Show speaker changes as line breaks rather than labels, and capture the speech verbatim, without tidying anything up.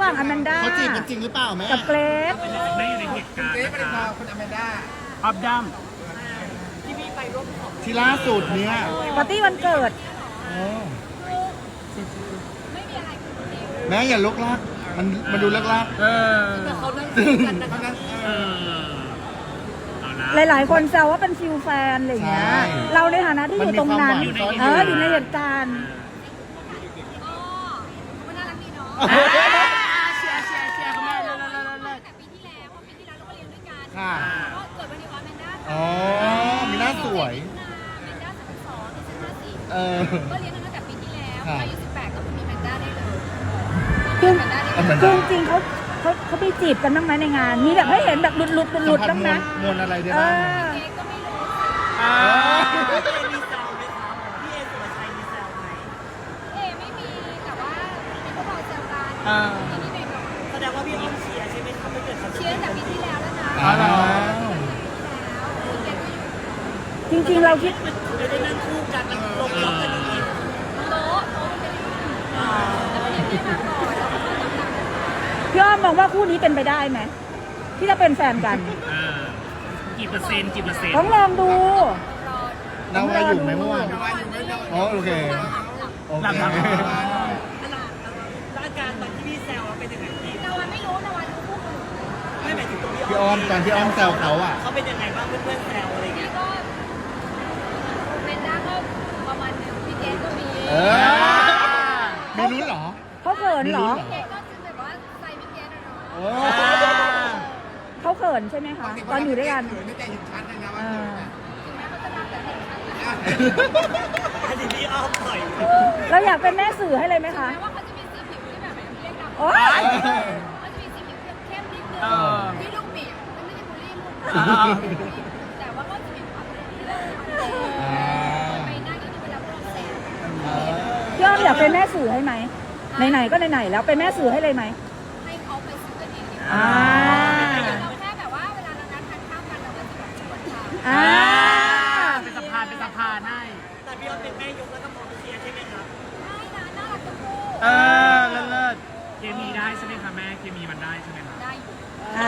ว่างอแมนด้า
เขาจีบกันจริงหรือเปล่าแม่
กับเกรซ
ไม่อยู่ในเหตุการณ์นะคะ
คุณอแมนด้า
ออฟดัม
ที่ล่าสุดเนี่ย
ปาร์ตี้วันเกิด
แม่อย่าลุกลักมันมันดูเลิกลัก
เออ
เขานั่งกันนะคะนั่ง
เออเอาละ
หลายๆ คนแซวว่าเป็นฟิลแฟนอะไรอย่างเงี้ย เราในฐานะที่อยู่ตรงนั้น เอออยู่ในเหตุการณ์
เชียร์เชียร์เชียร์คุณแม่เลิศเลิศเลิศเลิศ
แต่ปีที่แล้วเพราะปีที่แล้วเราก็เรียนด้วยกัน
ค่ะ
ก็เกิดวันนี้ว่าแมนด้า
อ๋อ มีหน้าสวย
แมนด้าสามสองดิฉันห้าสี่
เออ
ก็เรียนกันตั้งแต่ปีที่แล้ว
ค่ะ
อายุสิบแปดก็มีแมนด้าได้เลย
คือ
แมนด้าได้
เอาเหมือน
เล
คื
ย
อจริงๆเขาเขาเขาไปจีบกันบ้างไหมในงาน มีแบบให้เห็นแบบหลุดหลุดหลุดหลุด
สัมผัส
บ้าง
ม
ไหม
วลมวลอะไรได้
เอ
บ้าง
อ
เค้กก็ไม่รู้
อ่า
มีแซวไหมครับพี่เอสุรชัยมีแซวไหม
เอไม่มีแต่ว่ามีพวกเราเจอกัน
อ่า
ทีนี้หน่อย
แสดงว่าพี่อ้อมเชียร์ใช่ไหมครับไม่เกิดเขา
ๆเชียร์ตั้งแต่ปีที่แล้วแล้วนะ
อ๋อเหรอ
ปีที่แล้วเค้กก็อยู่
จริงๆ เราคิด
ไม่ได้นั่งคู่กันแล้วลงล็อกกันอย่างนี้
โต๊ะโต๊ะมันเป็นแล้วก็เรียนไม่มาก่อนแล้วก็มาหลัง
พี่อ้อมมองว่าคู่นี้เป็นไปได้ไหมที่จะเป็นแฟนกัน
อ่ากี่เปอร์เซ็นต์กี่เปอร์เซ็นต์
ต้องลองดู
ๆรอน
าวาอยู่ไหมเมื่อวาน
วันนี้
อ๋อโอเค โอ
หลัง
เค
หลัง
แล้วอาการตอนที่พี่แซวเป็นยังไงพี่
นาวันไม่รู้นาวันรู้คู่อื่น
ไม่หมายถึงตัวพี่
พี่อ้อมตอนที่อ้อมแซวเขาอ่ะ
เขาเป็นยังไงบ้างเพื่อนๆแซวอะไร
นี่
เงี้ย
ก็แมนด้าก็ประมาณหนึ่งพี่เกดก็มี
เออ มีลุ้นเหรอ
เขาเขินเหรอ
พี่เกดก็คือแบบว่าใส่พี่เกดอะเนาะ
โอ้
เขาเขินใช่ไหมคะ ตอนอยู่ด้วยกัน
ไม่แต่ยุดชั้นเลยนะ
เอ
ว่า
อ
ถึงแม้เขาจะรักแต่เด็กนะ
อันนี้พี่อ้อมปล่อย
เราอยากเป็นแม่สื่อให้เลยไหมคะ
แม้ว่าเขาจะมีสีผิวที่แบบเรียกดำ
โอ๊ย
เขาจะมีสีผิวเข้มๆนิดนึง
เออ
ที่ลูกบีบมันไม่ใช่บูลลี่ลูก
อ่า
แต่ว่าก็จะมีความเป็นที่เรา
อ่า
ไปหน้าก็จะเป็นรับรองแสง
พี่อ้อมอยากเป็นแม่สื่อให้ไหมไหนๆก็ไหนๆแล้วเป็นแม่สื่อให้เลยไหม
ให้เขาไปซื้อกันเองดีกว่า
อ่า
เราแค่แบบว่าเวลาเรานัดทานข้าวกันเราก็จะแบบชวนเขา
อ่า
เป็นสะพานเป็นสะพานให้
แต่พี่อ้อมเป็นแม่ยกแล้วก็มองเชียร์ใช่ไหมครับ
ได้นะน่ารักทั้งคู่
เออเลิศเลิศเคมีได้ใช่ไหมคะแม่เคมีมันได้ใช่ไหมคะ